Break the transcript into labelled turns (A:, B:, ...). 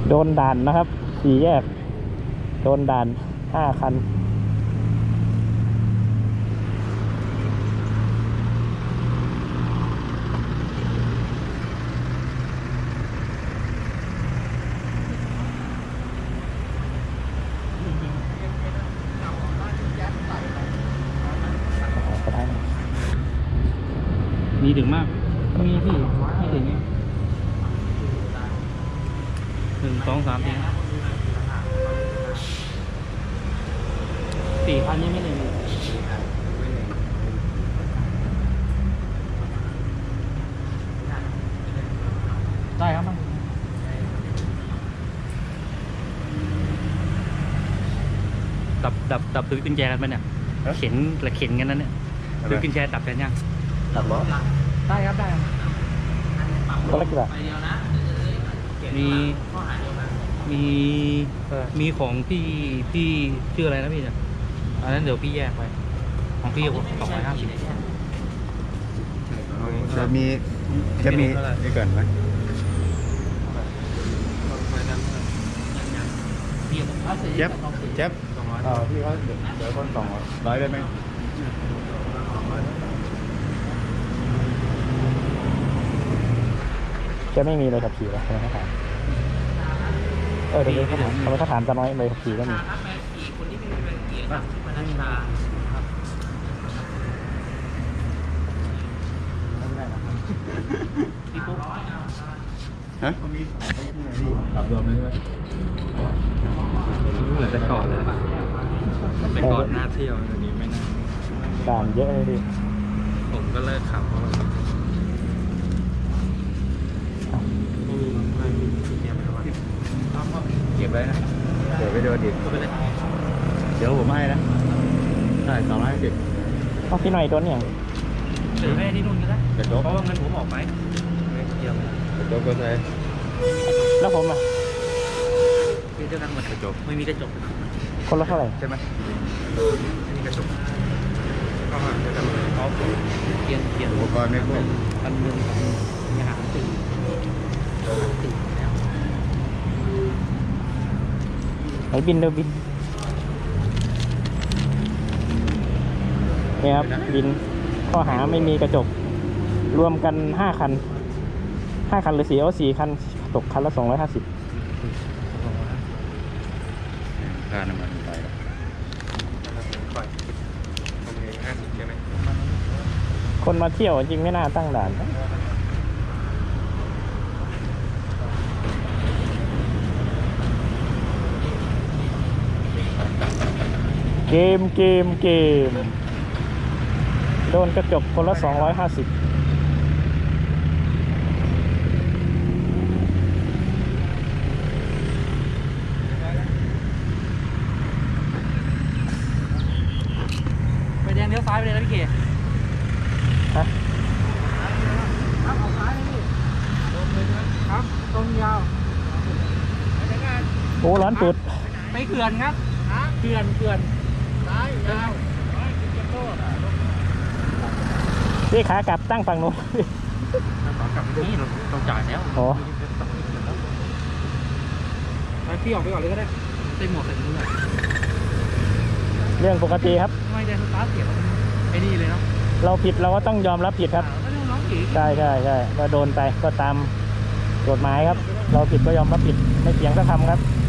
A: โดนด่านนะครับสี่แยกโดนด่าน5 คัน
B: มีถึงมากมีพี่ไม่ถึงไง1 2 3 4 4 คันยังไม่ถึงได้ครับมันดับซื้อกุญแจกันไหมเนี่ยเข็นกันนั่นเนี่ยซื้อกุญแจดับกันยัง
A: ดับล้อ
B: ได้ครับได้
A: ก็เล็กแบบ
B: มีของพี่ชื่ออะไรนะพี่เนี่ยอันนั้นเดี๋ยวพี่แยกไปของพี่250
C: จะมีนี่ก่อนไหมเจ็บพี่เขาเดี๋ยวคน200ได้ไหม
A: จะไม่มีเลยขับขี่แล้วทำไมเขาถามเดี๋ยวเขาถามทำไมเขาถามจะน้อยเลยขับขี่ก็มี
C: ฮะขับรวมเลยไหม
B: เหมือนแต่ก่อนเลยแต่ก่อนน่าเที่ยวตอนนี้ไม่น่า
A: ด่านเยอะเลยดิ
B: ผมก็เลิกขับเพราะว่า
C: เก็บไว้นะเดี๋ยวไปโดนดิเดี๋ยวผมให้นะได้250
A: เอาพี่หน่อยโดนอย่าง
B: หรือให้ที่นู่นก็ได้เพราะว่าเงินผมออกไปเดียว
C: กระจกก็ใช้
A: แล้วผมอ่ะ
B: มีเท่านั้นหมดกระจกไม่มีกระจก
A: คนละเท่าไหร่
C: ใช่ไหม
B: ไม่มีกระจกก็หาจะทำอะไรเขาเกียน
C: อุปกรณ์ไม่พวก
B: 1,000อย่าหาตื่นแล้ว
A: ไหนบินเดี๋ยวบินนี่ครับบินข้อหาไม่มีกระจกรวมกัน5 คันหรือ4คันตกคันละ250
C: ค่าน้ำมันไป
A: คนมาเที่ยวจริงไม่น่าตั้งด่านเกมโดนกระจกคนละ250
B: ไปแดงเลี้ยวซ้ายไปเลยนะพี่เก๋
A: ฮะ
B: ครับเอาซ้ายเลยพี่ตรงเลยครับตรงยาว
A: โอ้ร้อนปุด
B: ไปเขื่อนครับเขื่อนซ้ายยาว
A: พี่ขากลับตั้งฝั่งนู้น
B: ขากลับนี่เราจ่ายแล้ว
A: อ๋อ
B: พี่ออกไปก่อนเลยก็ได้เต็มหมดเลย
A: เรื่องปกติครับ
B: ไม่ได้สตาร์ทเสียไอ้นี่เลยเนาะ
A: เราผิดเราก็ต้องยอมรับผิดครับใช่ก็โดนไปก็ตามกฎหมายครับเราผิดก็ยอมรับผิดไม่เถียงสักคำครับ